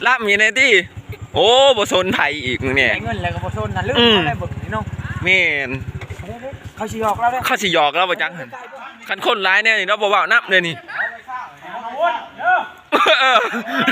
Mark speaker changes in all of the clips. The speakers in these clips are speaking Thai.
Speaker 1: รับมีในที่โอ้บ่สนไผอีกเนี่ย
Speaker 2: เงินแล้วก็บ่สนน่ะลืมอะไรเบิ่งนี่เนาะ
Speaker 1: แม่น
Speaker 2: เขาสิหยอกเราเด้อ
Speaker 1: เขาสิหยอกเราบ่จังหั่นคันคนร้ายแน่นี่เราบ่เว้านับเลยนี่เออ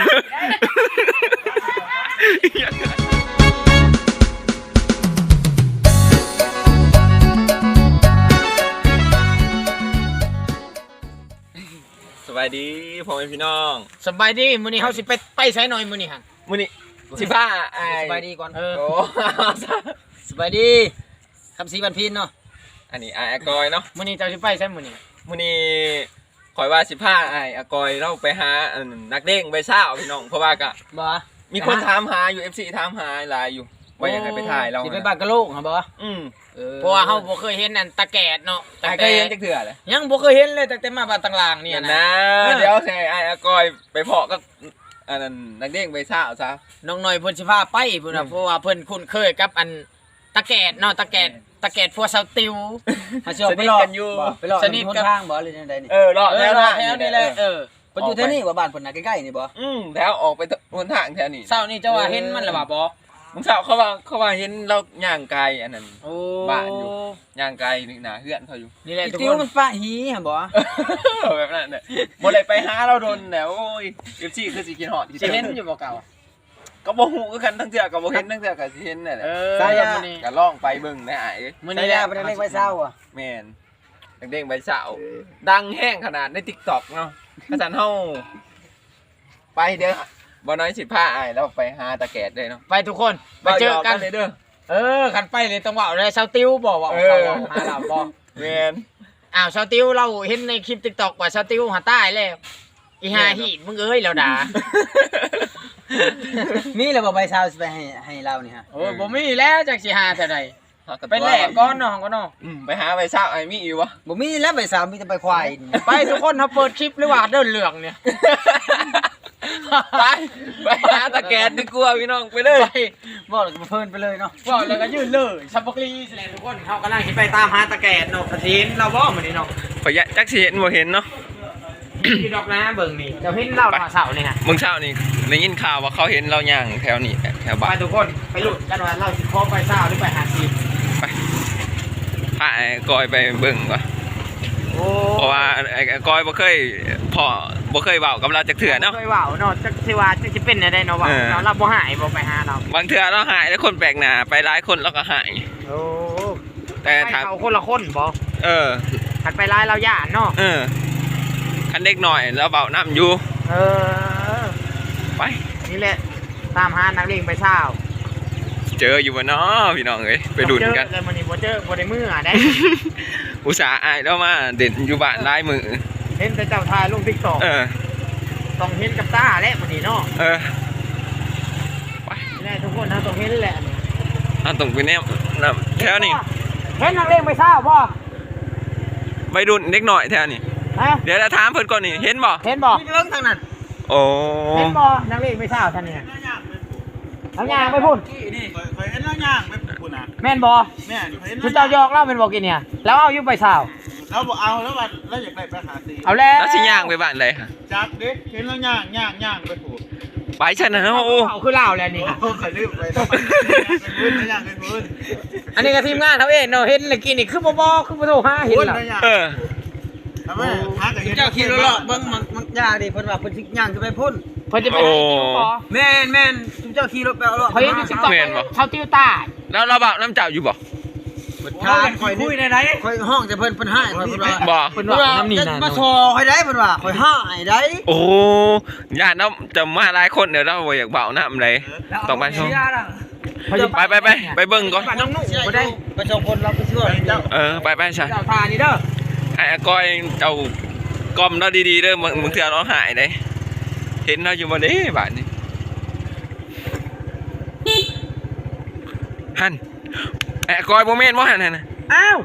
Speaker 1: สบายดีพ่อแม่พี่น้อง
Speaker 2: สบายดีมื้อนี้เฮาสิไปไสหน่อยมื้อนี้หั่น
Speaker 1: มื้อนี้สิพาอ้าย
Speaker 3: สบายดีก่อน
Speaker 2: โอ้
Speaker 3: สบายดีคำศรีบันพินเนาะ
Speaker 1: อันนี้อ้ายอากอยเนาะ
Speaker 2: มื้อนี้เจ้าสิไปไสมื้อนี้
Speaker 1: มื้อนี้ข่อยว่าสิพาอ้ายอากอยเราไปหานักเด้งใบซ่าวพี่น้องเพราะว่าก็
Speaker 3: บ่
Speaker 1: มีคนถามหาอยู่ FC ถามหาหลายอยู่ว่าอยากให้ไปถ่ายเรา
Speaker 3: สิไปบ้านกะโลกหรอบ่
Speaker 2: เพราะว่าเฮาบ่เคยเห็นอันตะแกดเนาะ
Speaker 1: อ้ายก็ยังจักเทื่อเลย
Speaker 2: ยังบ่เคยเห็นเลยตั้งแต่มาบ้านต่างๆเนี่ย
Speaker 1: นะ
Speaker 2: นะ
Speaker 1: เดี๋ยวให้อ้ายอากอยไปเพาะก็อันนั้นนักเด้งใบซ่าวซะ
Speaker 2: น้องหน่อยเพิ่นสิพาไปพุ่นน่ะเพราะว่าเพิ่นคุ้นเคยกับอันตะแกดเนาะตะแกดพวกเสาติว
Speaker 3: มาสิออกไปรอ
Speaker 1: กันอยู่
Speaker 3: ไปรอ
Speaker 2: สนิท
Speaker 3: คน
Speaker 2: กับ
Speaker 3: ทางบ่หรือจังไดนี่
Speaker 1: รอด
Speaker 2: แถ
Speaker 1: แล้ว ว
Speaker 2: แถวนี่แหละเออ
Speaker 3: เพิ่นอยู่แถวนี้บ่บ้านเพิ่นน่ะใกล้ๆนี่บ่
Speaker 1: แถวออกไปบนทางแถวนี้
Speaker 2: เช้านี่เจ้าว่าเห็นมันหรือเปล่าบ่
Speaker 1: มึงสาวเขาว่าเห็นเราย่างไกลอันนั้น
Speaker 2: โอ้
Speaker 1: บ้านอยู่ ย่างไกลนี่นะเฮือนเขาอยู่
Speaker 2: นี่แหละ
Speaker 3: อี
Speaker 2: ทุก
Speaker 3: ติ
Speaker 2: คว
Speaker 3: มัน นปะหีหั่นบ่
Speaker 1: แบบนั้นเนี่ยบ่ได้ไปหาเราโดนแล้วโอ้ย FC คือสิกินฮอด
Speaker 2: สิเห็นอยู่บ่เก่า
Speaker 1: ก็บ่ฮู้คือกันทั้งเทื่อก็บ่เห็นทั้งเทื่อก็สิเห็นนั่นแหละ
Speaker 2: สายมื้อนี้
Speaker 1: ก็ลองไปเบิ่งได้อ้าย
Speaker 2: มื้อ
Speaker 3: นี่
Speaker 2: นี้
Speaker 3: แห
Speaker 2: แห
Speaker 3: ละ
Speaker 2: ละ
Speaker 3: บ่ได้เล็กไว้เช้าอ่ะ
Speaker 1: แม่นเด้งใบสาวดังแห้งขนาดใน TikTok เนาะกระสันเฮาไปเด้อบ่น้อยสิพาอ้ายแล้วไปหาตะแกดเลยเนาะ
Speaker 2: ไปทุกคนไปเจอกัน
Speaker 1: เลยเด้อ
Speaker 2: คันไปเลยต้องว่าเลยเสาติวบ่ว่า
Speaker 1: เอ
Speaker 2: เขา
Speaker 1: อ
Speaker 2: หาเราบ่
Speaker 1: แม่น
Speaker 2: อ้าวเสาติวเราเห็นในคลิป TikTok ว่าเสาติวหาใต้แล้วอีหาหีดมึงเอ้ยแล้วด่า
Speaker 3: มีแล้วบ่ใบเช้าสิไปให้เรานี่ฮะ
Speaker 2: โอ้ยบ่มีแล้วจักสิหาเท่าใดไปแลกก่อนเนาะก็เนาะ
Speaker 1: ไปหาใบสาวไอ้มีอยู่วะ
Speaker 3: บ่มีแล้วใบเช้ามีแต่ใบควายนี่
Speaker 2: ไปทุกคนเฮาเปิดคลิปหรือว่าเดินเหลืองเนี่ย
Speaker 1: ไปหาตะแกดดีกว่าพี่น้องไปเลย
Speaker 2: ไป
Speaker 3: บ่แล้วก็เพลินไปเลยเนาะ
Speaker 2: ว่าแล้วก็ยืนเลยซับบักลีแสดงทุกคนเขากำลังคิดไปตามหาตะแกรงเนาะกระถินเราบ่เหมือนนี่เนาะ
Speaker 1: ขอยจักสิเห็นบ่เห็นเนาะ
Speaker 2: อยู่ดอกนะเบิ่งนี่เดี๋ยวเห็นเราเสานี่ฮะ
Speaker 1: มึงเช้านี่ได้ยินข่าวว่าเขาเห็นเราย่างแถวนี้แถว
Speaker 2: ไป
Speaker 1: บ้าน
Speaker 2: ทุกคนไปหลุดกันว่าเราสิโคไปเศร้าหรือไปหาซี
Speaker 1: ไปพาไอ้กอยไปเบิ่งก่อน
Speaker 2: โอ้
Speaker 1: เพราะว่าไอ้กอยบ่เคยบ่เคยเว้ากับเราจักเทื่อเนาะ
Speaker 2: เคยว่าวเนาะจักสิว่าจักสิเป็นได้เนาะว่า
Speaker 1: เออ
Speaker 2: เราบ่หายบ่ไปหาเรา
Speaker 1: บางเทื่อเราหายแล้วคนแปลกหน้าไปหลายคนเราก็หาย
Speaker 2: โอ้
Speaker 1: แต่
Speaker 2: ไป
Speaker 1: ถาม
Speaker 2: เขาคนละคนบ่
Speaker 1: เออ
Speaker 2: ขัดไปร้ายเราย่านเนาะ
Speaker 1: เออคันเด็กหน่อยแล้วเบาน้ำอยู่
Speaker 2: เออ
Speaker 1: ไป
Speaker 2: นี่แหละตามหานักเลงไปเศร้า
Speaker 1: เจออยู่บ่เนาะพี่น้องเอ้ยไปดุนกัน
Speaker 2: เจอเลยมื้อนี้บ่เจอบ่ได้มือได้
Speaker 1: อุตส่าห์อายแล้วมาเด่นอยู่บ้านหลายมือ
Speaker 2: เห็นแต่เจ้าทายลง TikTok
Speaker 1: เออ
Speaker 2: ต้องเห็นกับตาแหละมื้อนี้เนาะ
Speaker 1: เออไป
Speaker 2: นี่แหละทุกคนนะต้องเห็นแหละ
Speaker 1: เอาตรงไปเนี่ยแถวนี้
Speaker 2: เห็นนักเลงไปเศร้าบ่
Speaker 1: ไปดุนเด็กหน่อยแถวนี้
Speaker 2: ฮะ
Speaker 1: เดี๋ยวจะถามเพิ่นก่อนนี่เห็นบ่
Speaker 2: เห็นบ่
Speaker 3: เรื่องทางนั้น
Speaker 1: โอ้
Speaker 2: เห็นบ่นักเลงไปเศร้าท่านนี่น้ำยางไปพุ่น
Speaker 4: นี่เคยเห็นแล้วย่างไปปุ่นอ่ะ
Speaker 2: แม่นบ่
Speaker 4: แม่เคยเห็น
Speaker 2: คือเจ้ายอกเล่าเป็นบ่กินเนี่ยแล้วเอาอยู่ไปเศร้า
Speaker 4: แล้วบอกเอาแล้ววันแล้วอยากได้ไปหาซี
Speaker 2: เอาแล้ว
Speaker 1: แล้วสิย่างไปบ้านใดค่ะ
Speaker 4: จักเด็กเห็นแล้วย่างไปผูก
Speaker 1: ไปฉันนะโอ้
Speaker 2: เอาคือเล่าแล้วนี่ค่ะ
Speaker 4: โอ้เคยลืมไปแล้วเป็นพื้นย่างเป็นพื้น
Speaker 2: อันนี้ก็ทีมงานเขาเองเนาะเห็นเลยกินนี่คือบ่คือบ่โทรหาเห็น
Speaker 4: พื้น
Speaker 2: ล่ะ
Speaker 4: ย่าง
Speaker 1: เออ
Speaker 4: ทำไมหากับเห็น
Speaker 3: เจ้าขี่รถเลาะเบิ่งมันยากดิเพิ่นว่าเพิ่นสิย่างขึ้นไปพุ่น
Speaker 2: เพิ่นจะไปไหนบ่
Speaker 3: แม่นเจ้าขี่รถไปเอาเลาะ
Speaker 2: เขาเห็นอยู่ TikTok เขาติ้วตา
Speaker 1: แล้วเราเบาน้ำเจ้าอยู่บ่
Speaker 3: ทานข่อยคุยได้ไหนข่อยห้องแต่เพิ่นให้ข่อยเพิ่นว่า
Speaker 1: บ่
Speaker 2: เพิ่นว่าน้ำนี่นะ
Speaker 3: มาซอข่อยได้เพิ่นว่าข่อยห้าให้ได้
Speaker 1: โอ้ญาติเราจะมาหลายคนเดี๋ยวเราบ่อยากเบาน้ำเลยต้องไปชมไปเบิ่งก่อน
Speaker 2: น้องนุ่งบ่ได้
Speaker 3: ไปส่งคนเราไปช่วยเจ้า
Speaker 1: ไปใช่
Speaker 2: เจ้าทานี่เด้อ
Speaker 1: ไอ้ก้อยเอากล้อมเราดีๆเด้อมึงเถื่อเราหายได้เห็นเราอยู่บ่เด้บ้านนี้หันไอ้ก้อยบ่แม่นบ่หันน่ะ
Speaker 2: อ้าว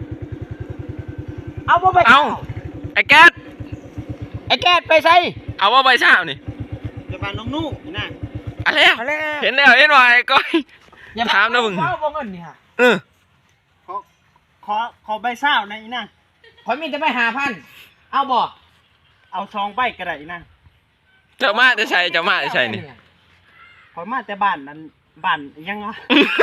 Speaker 2: เอาบ่ไป
Speaker 1: เอาไอ้แก๊ส
Speaker 2: ไอ้แกดไปใส่
Speaker 1: เอาว่าใบเช้านี่
Speaker 4: จะมาน้องนุ่งน่ะ
Speaker 1: อะไรอ่ะ
Speaker 2: เอาแล้ว
Speaker 1: เห็นแล้วเห็นว่าไอ้ก้อย
Speaker 2: อย่า
Speaker 1: ถามนะมึง
Speaker 2: เอาบ่เงินนี่ฮะ
Speaker 1: เออ
Speaker 4: ขอใบเศร้าในนั่น
Speaker 2: ข่อยมีแต่ไป5,000เอาบ่
Speaker 4: เอาซองใบกระไรนั่น
Speaker 1: เจ้ามาจะใช่เจ้ามาจะใช่นี่
Speaker 4: ขอมาแต่บ้านนั้นบ้านยังวะ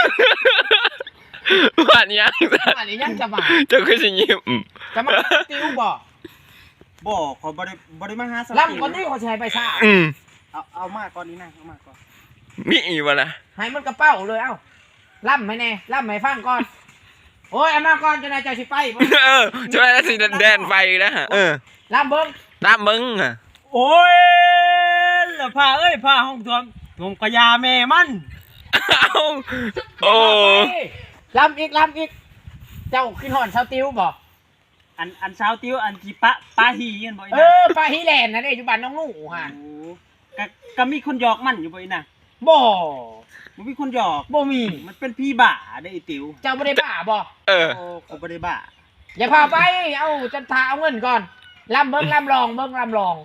Speaker 1: บ้านยัง
Speaker 2: อันนี้ยังจะมา
Speaker 1: เจ้าคือสิยิ้ม
Speaker 2: จะมาติวบ่
Speaker 4: บ่ขอบ่ได้มาหาสติ
Speaker 2: ล่ำก่อนที่เขาแชร์ไปซ่า
Speaker 4: เอามาก่อนนี่นะเอามาก่อน
Speaker 1: มีอีกวะล่ะ
Speaker 2: ให้มันกระเป๋าเลยเอ้าล่ำให้แน่ล่ำให้ฟังก่อนโอ้ยเอามาก่อนจะนายเจ้าสิไป
Speaker 1: ช่วยแล้วสิแดนไฟนะฮะ
Speaker 2: ล่ำเบิ้ง
Speaker 1: ตามมึงอ่ะ
Speaker 4: โอ้ยแล้วผ้าเอ้ยผ้าห้องท่วมกระยาแม่มัน
Speaker 1: เอาโอ้
Speaker 2: ล่ำอีกเจ้าขึ้นหอนเสาติวบ่
Speaker 4: อันเช้าติ้วอันที่ปะหีกันบ่อี
Speaker 2: เอ
Speaker 4: น่ะ
Speaker 2: อปลาฮิแลนด์นะเด้อยู่บ้านน้องหนูฮะ
Speaker 4: โอ้ก็มีคนหยอกมันอยู่บ่อีน่ะ
Speaker 2: บ่
Speaker 4: มันมีคนหยอก
Speaker 2: บ่มี
Speaker 4: มันเป็นพี่บ้าได้ไอ้ติ๋ว
Speaker 2: เจ้าบ่ได้บ้าบ่
Speaker 1: เออ
Speaker 4: โอ้เขาบ่ได้บ้า
Speaker 2: อย่าพาไปเอาจันทาเอาเงินก่อนล่ำเบิ้งล่ำลองเบิ้งล่ำลอง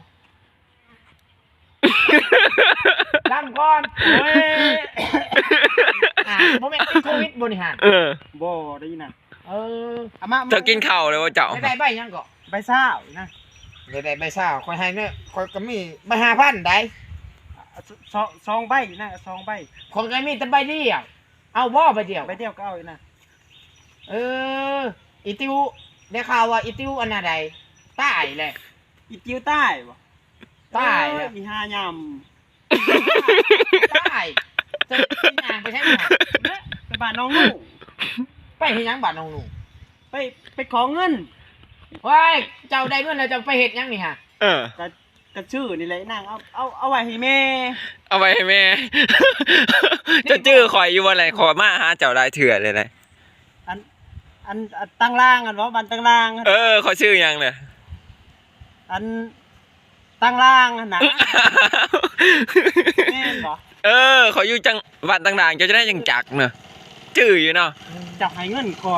Speaker 2: ล่ำก่อนโอ้ยโมเมนต์ติดโควิดบริหาร
Speaker 4: บ่ได้ยินน่ะ
Speaker 2: เออ
Speaker 4: เอามา
Speaker 1: เจ้ากินข้าวเลยว่าเจ้า
Speaker 2: ได้ใบยังก็
Speaker 4: ใบซ่าอีนะ
Speaker 2: ได้ใบซ่าคอยให้เนี่ยคอยก็มีใบ5,000ได้
Speaker 4: ซองใบนะซองใบ
Speaker 2: คนก็มีแต่ใบเดียวเอาบ่ใบเดียว
Speaker 4: ใบเดียวก็เอาอีนะ
Speaker 2: เอออีติวได้ข่าวว่าอีติวอันน่ะใดตายเลย
Speaker 4: อีติ๋วใต้บ่
Speaker 2: ตายแล้ว
Speaker 4: มี5ยำ
Speaker 2: ตายจะกินยางไปใช่ไหม
Speaker 4: ไปบ้านน้องหนู
Speaker 2: ไปเฮ็ดหยังบ้านน้องหนู
Speaker 4: ไปขอเงิน
Speaker 2: ว้ายเจ้าได้เงินแล้วจะไปเฮ็ดหยังนี่ฮะ
Speaker 4: กระชื่อนี่แหละนางเอาไว้ให้แม่
Speaker 1: เอาไปให้แม่ จะจื้อข่อยอยู่ว่าอะไรขอมาหาเจ้าได้เถื่อเลยนะ
Speaker 4: อันตั้งล่างกันบ่บ้านตั้งล่าง
Speaker 1: ขอชื่อยังเลย
Speaker 4: อันตั้งล่างนะแม่นบ่
Speaker 1: ขออยู่จังหวัดต่างๆเจ้าจะได้จังจักเนอะจื้ออยู่เนาะ
Speaker 4: จับให้เงินก่อย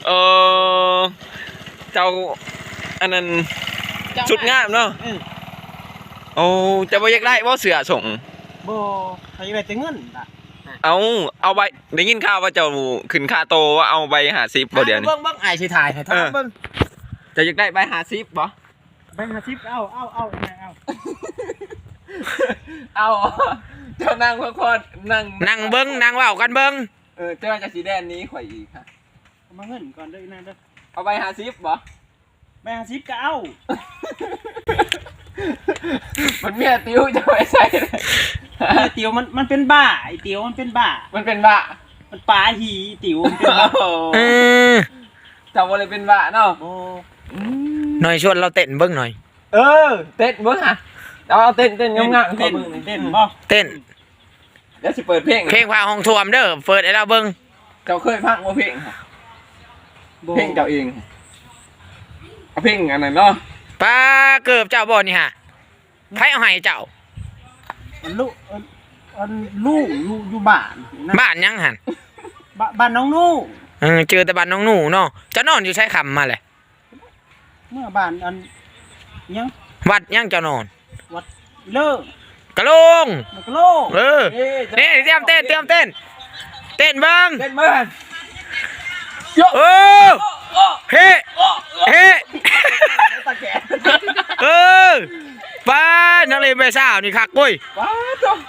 Speaker 1: เจ้าอันนั้นชุดงามเนาะ โอ้จะบ่อยากได้บ่เสือส่ง
Speaker 4: บ่ให้ไว้แต่เงินล่ะ
Speaker 1: เอาใบได้ยินข่าวว่าเจ้าขึ้นค่าโตว่าเอาใบ50บ่เดี๋ยวนี้
Speaker 2: เบิ่งอ้ายสิถ่ายให้ท่านเบิ่ง
Speaker 1: จะอยากได้ใบ50บ่
Speaker 4: ใบ50เอาเอา
Speaker 1: เอาเจ้านั่งพักผ่อนนั่ง
Speaker 2: นั่งเบิ่งนั่งเว้ากันเบิ่ง
Speaker 1: เจ้าจะสีแดนนี้ข่อยอีกค่ะ
Speaker 4: เอามาเงินก่อนเด้อนะเด้อ
Speaker 1: เอาใบ50บ่
Speaker 4: ใบ50ก็เอา
Speaker 1: มันเมียติ้วจะไปใส่เลย
Speaker 4: ไอ้ติ๋วมันเป็นบ้าไอ้ติ๋วมันเป็นบ้า
Speaker 1: มันเป็นบ้า
Speaker 4: มันปลาหีติ๋วมันเป็นบ้า
Speaker 1: เจ้าบ่เลยเป็นบ้าเนาะ
Speaker 4: โอ้
Speaker 2: หน่อยชวนเราเต้นเบิ่งหน่อย
Speaker 1: เต้นเบิ่งฮะเอาเต้นงามๆ
Speaker 4: เต้นบ่
Speaker 2: เต้น
Speaker 1: เดี๋ยวสิเปิดเพลง
Speaker 2: เพลงพาห้องท่วมเด้อเปิดให้เราเบิ่ง
Speaker 1: เจ้าเคยฟังบ่เพลงค่ะ
Speaker 4: บ่
Speaker 1: เพลงเจ้าเองเอาเพลงอันนั้นเนาะ
Speaker 2: ป้าเกือบเจ้าบ่นี่ฮะไผเอาให้เจ้า
Speaker 4: อันลูกอยู่บ้านนะ
Speaker 2: บ้านยังหั่น
Speaker 4: บ้านน้องนู่
Speaker 2: เจอแต่บ้านน้องหนูเนาะจะนอนอยู่ใช้คำมาเลย
Speaker 4: เมื่อบ้านอันยัง
Speaker 2: วัดยังจะนอน
Speaker 4: วัดเลิก
Speaker 2: กะโลง
Speaker 4: มันก็โลก
Speaker 2: นี่เตรียมเต้นเต้นเบิ่ง
Speaker 1: เต้นเบิ่ง
Speaker 2: เออเฮ้ป้านักเรียนไปสาวนี่คักกุ้ย
Speaker 1: ว้าจ้ะ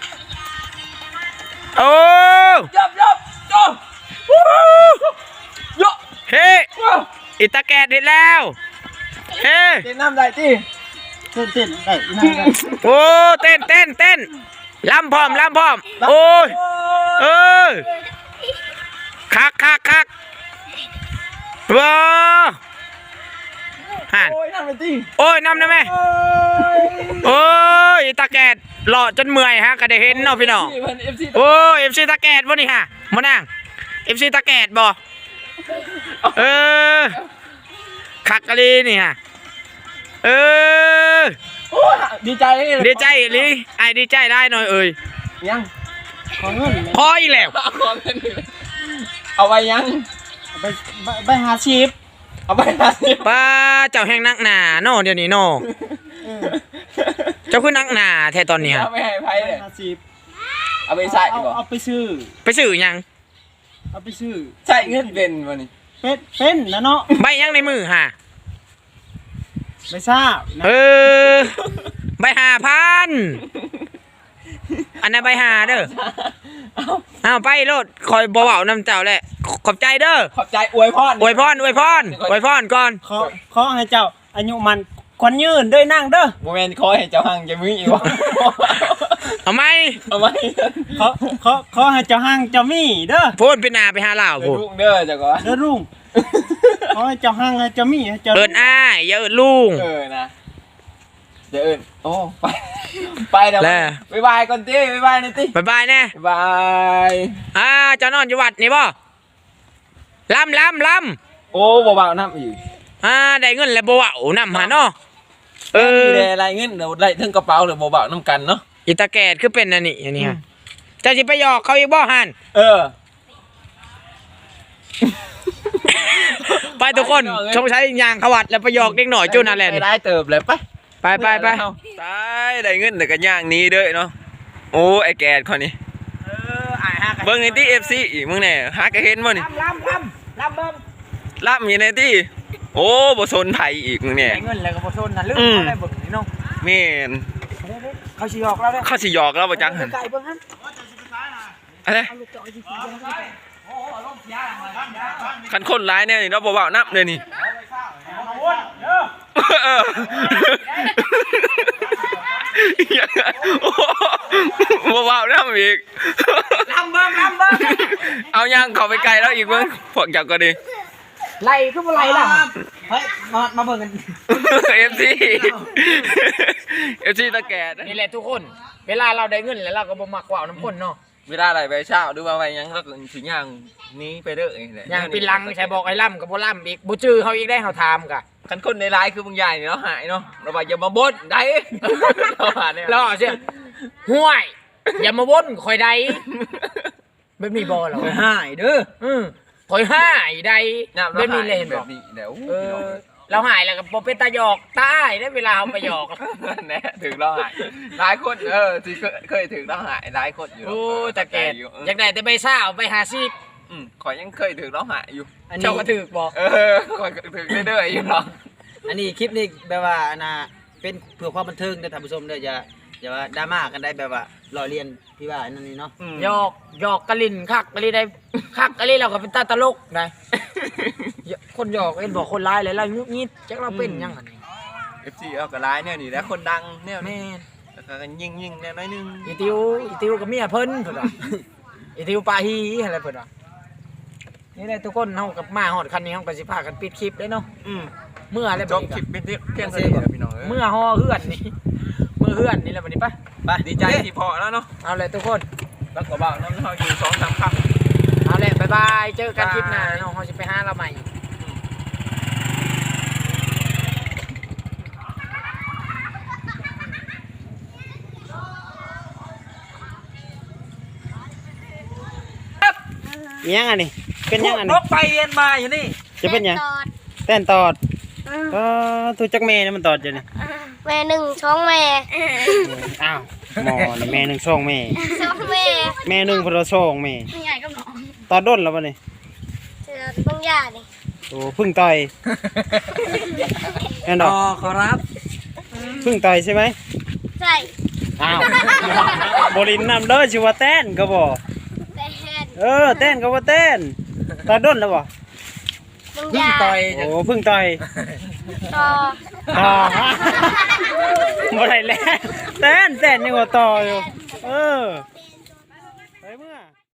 Speaker 2: โอ้
Speaker 1: ยับจ้ะยะ
Speaker 2: เฮ้อิตาแกดเห็นแล้วเฮ้
Speaker 1: เต้นน้ำได้ติ
Speaker 4: เต้นได้อีนั่นได้
Speaker 2: โอ้เต้นลำพร้อมโอ้ยคักว้าหัน
Speaker 1: โอ้ยน้ำได้ติ
Speaker 2: โอ้ยน้ำได้ไหมโอ้ยตาแกดหล่อจนเมื่อยฮะก็ได้เห็นเนาะพี่น้อง
Speaker 1: เพิ่น FC
Speaker 2: โอ้ย FC ตาแกดบ่นี่ฮะมานั่ง FC ตาแกดบ่คักกะลีนี่ฮะ
Speaker 1: โอ้ยดีใจเลย
Speaker 2: ดีใจลิไอ้ดีใจได้หน่อยเอ่ย
Speaker 1: ยัง
Speaker 4: ขอเงิน
Speaker 2: พออีกแล้ว
Speaker 1: เอาของเงินนี่เอาไว้ยัง
Speaker 4: ใบหาชีพ
Speaker 1: เอาไว้50
Speaker 2: ป้าเจ้าแห่งนักหนาเนาะเดี๋ยวนี้เนาะเจ้าคือนักหนาแท้ตอนนี้ฮะ
Speaker 1: เอาไปให้ไผ
Speaker 4: ใบ
Speaker 1: เลย
Speaker 4: หาชีพ
Speaker 1: เอาไปใส่บ่
Speaker 4: เอาไปซื้อ
Speaker 2: ไปซื้อหยัง
Speaker 4: เอาไปซื้อ
Speaker 1: ใส่เงินเป็นบ่นี่
Speaker 4: เป็นนะเนาะ
Speaker 2: ใบหยังในมือฮะ
Speaker 4: ไม่ทราบนะ
Speaker 2: ใบ5,000 อันนั้นไปหาเด้อเอาไปโลดคอยบ่เว้านำเจ้าแหละขอบใจเด้อ
Speaker 1: ขอบใจอวยพร
Speaker 2: อวยพรก่อน
Speaker 4: ขอให้เจ้าอายุมันควันยืนเด้อนั่งเด้อ
Speaker 1: โมเมนต์คอยให้เจ้าหังจะมึงอีกวะ
Speaker 2: เอาไหม
Speaker 1: เอาไหม
Speaker 4: ขอให้เจ้าห้างเจ้ามีเด้อ
Speaker 2: พูดไปหนาไปหาเหล่า
Speaker 1: เดี๋ยว
Speaker 2: พูด
Speaker 1: ลูกเด้อเจ้าก่อน
Speaker 4: เด้อลุงขอให้เจ้าห้างให้เจ้ามีให้เจ้า
Speaker 2: เอินอ้ายอย่าเอินลุง
Speaker 1: นะเดี๋ยวโอ้ไปเดี๋ยวบ๊ายบายก่อนตีบ๊ายบายนี่ตี
Speaker 2: บายบายแน่
Speaker 1: บ๊ายบาย
Speaker 2: เจ้านอนอยู่วัดนี่บ่ลำ
Speaker 1: โอ้เบาๆน้ำอีก
Speaker 2: ได้เงินแล้วบ่เว้านำหาเนาะ
Speaker 1: มีอะไรเงินเดี๋ยวได้ถึงกระเป๋าหรือเบาๆน้ำกันเนาะ
Speaker 2: อีตาแกดคือเป็นอันนี้ฮะเจ้าสิไปหยอกเขาอีกบ่หันไปทุกคนชงใช้ยางขวัดแล้วไปหยอกเด็กหน่อยจูนั่นแหละ
Speaker 1: ได้เติบเลยไป
Speaker 2: ไป
Speaker 1: ตายได้เงินแต่กันย่างนี้เด้อเนาะโอ้ไอแกดคนนี้เบิ้งในที่ FC อีกมึงเนี่ยหากระเห็นมั้งนี่
Speaker 2: ลำเบิ่ง
Speaker 1: รับมีในที่โอ้บ่สนไผอีกมึงเนี่ย
Speaker 2: ได้เงินแล้วก็บ่ทนน่ะลืมได้เบิ่งนี่น้อง
Speaker 1: แม่น
Speaker 2: เขาสิหยอกเราเด้อ
Speaker 1: เขาสิหยอกเราบ่จังหั่น
Speaker 2: ไก่เบิ่งหั่น
Speaker 1: อะไรคันคนร้ายเนี่ยนี่เราบ่เว้านับเลยนี่บ่เว้านับอีก
Speaker 2: ลำเบิ่ง
Speaker 1: เอาย่างเข้าไปไกลแล้วอีกเบิ่งพวกเจ้าก็ดี
Speaker 2: ไล่คือบ่ไล่ล่ะ
Speaker 4: เฮ้ยมาเบิ่งกัน
Speaker 1: FC FC ตะแกด
Speaker 2: นี่แหละทุกคน เวลาเราได้เงินแล้วเราก็บ่มักว่าวน้ำคนเนาะ
Speaker 1: เวลาอะไรไปเช้าหรือว่าไปยังเราก็สิย่างนี้ไปเด้อนี่แหละ
Speaker 2: อย่างปีลังใช่บอกไอ้ล่ำกับบ่ล่ำอีกบ่จื้อเฮาอีกได้เฮาถามกะ
Speaker 1: คันคนในร้ายคือบางใหญ่เนาะหายเนาะเราว่าอย่ามาบ่นได้เราหาเนี่ย
Speaker 2: รอเสียห่วย อย่ามาวนข่อยใดแบบนี้บ่เหรอ
Speaker 4: หายเด้อ
Speaker 2: ข่อยห้ายใดแบบนี้เลยเห็น
Speaker 1: แบ
Speaker 2: บ่
Speaker 1: บนี้เดี๋ยว
Speaker 2: เราหายแล้วก็บ่เป็นตาหยอกตายได้เวลาเฮาไปหยอก
Speaker 1: แน่ถึงเราหายหลายคนที่เคยถึงเราหายหลายคนอยู่
Speaker 2: โอ้ตะแกดอยากได้แต่ใบซ่าไป50
Speaker 1: ขอยยังเคยถึงเราหายอยู่
Speaker 2: เจ้าก็ถูกบ่
Speaker 1: ขอยถึงเรื่อยๆอยู่เนาะ
Speaker 3: อันนี้คลิปนี้แบบว่าเป็นเพื่อความบันเทิงนะท่านผู้ชมเด้ออย่าว่าดราม่ากันได้แบบว่าล้อเลียนพี่ว่าอันนั้นนี่เนาะ
Speaker 2: หยอกกะลินคักกะลิได้คักกะลิเราก็เป็นตาตลกได้คนหยอกเห็นบอกคนร้ายเลยล่ะงุดงิดจักเราเป็นยังอันนี้
Speaker 1: FC เอาก็ร้ายเนี่ยนี่แล้วคนดังเนี่ย
Speaker 2: แม่น
Speaker 1: แล้วก็ยิงแน่น้อยนึง
Speaker 2: อีติวกับเมียเพิ่นเพิ่นว่าอีติวปาฮีอะไรเพิ่นว่านี่แหละทุกคนเฮากับมาฮอดคันนี้เฮาก็สิพากันปิดคลิปเลยเนาะเมื่ออะไร
Speaker 1: จ
Speaker 2: บัด
Speaker 1: บ
Speaker 2: นี้
Speaker 1: คลิปเป็นเพียงเท่านี้พี่น้อง
Speaker 2: เมื่อฮอเฮือนนี่เมื่อเฮือนนี่แหละบัดนี้ไป
Speaker 1: ดีใจที่พอแล้วเนาะ
Speaker 2: เอาเลยทุกคน
Speaker 1: แล้วก็บ่าวน้ำเขาอยู่2-3ครั้ง
Speaker 2: เอาเลยบ๊ายบายเจอกันคลิปหน้าเนาะเฮาสิไปหาเราใหม่
Speaker 3: ยังอันนี้เป็นยังอัน
Speaker 4: น
Speaker 3: นี้
Speaker 4: กไปเย็นมาอยู่นี่
Speaker 3: จะเป็นยังแต้นตอดถูกจักแม่นี่มันตอดอยู่นี่
Speaker 5: แม่หนึ่งช่องแม่
Speaker 3: อ้าวหมอนี่แม่หนึ่งช่องแม่
Speaker 5: ช่องแม่
Speaker 3: แม่หนึ่งพลช่องแม่
Speaker 5: ไม่ใหญ่ก็หนอง
Speaker 3: ตอดด้นแล้วป่ะนี่
Speaker 5: เจอบางอย่างนี่
Speaker 3: โอ้พึ่งต่อยแน่นอน
Speaker 4: ขอรับ
Speaker 3: พึ่งต่อยใช่ไหม
Speaker 5: ใส่
Speaker 3: อ้าวบรินนำเด้อชื่อว่าแต้นก็บ่
Speaker 5: แต่แฮน
Speaker 3: แต้นก็ว่าแต้นตอดด้นแล้วบ่
Speaker 5: บางอย่าง
Speaker 3: โอ้พึ่งต่อย
Speaker 5: ต่อ
Speaker 3: ต่อบ่ได้แล้วแต้นยังว่าต่ออยู่ไปเมื่อ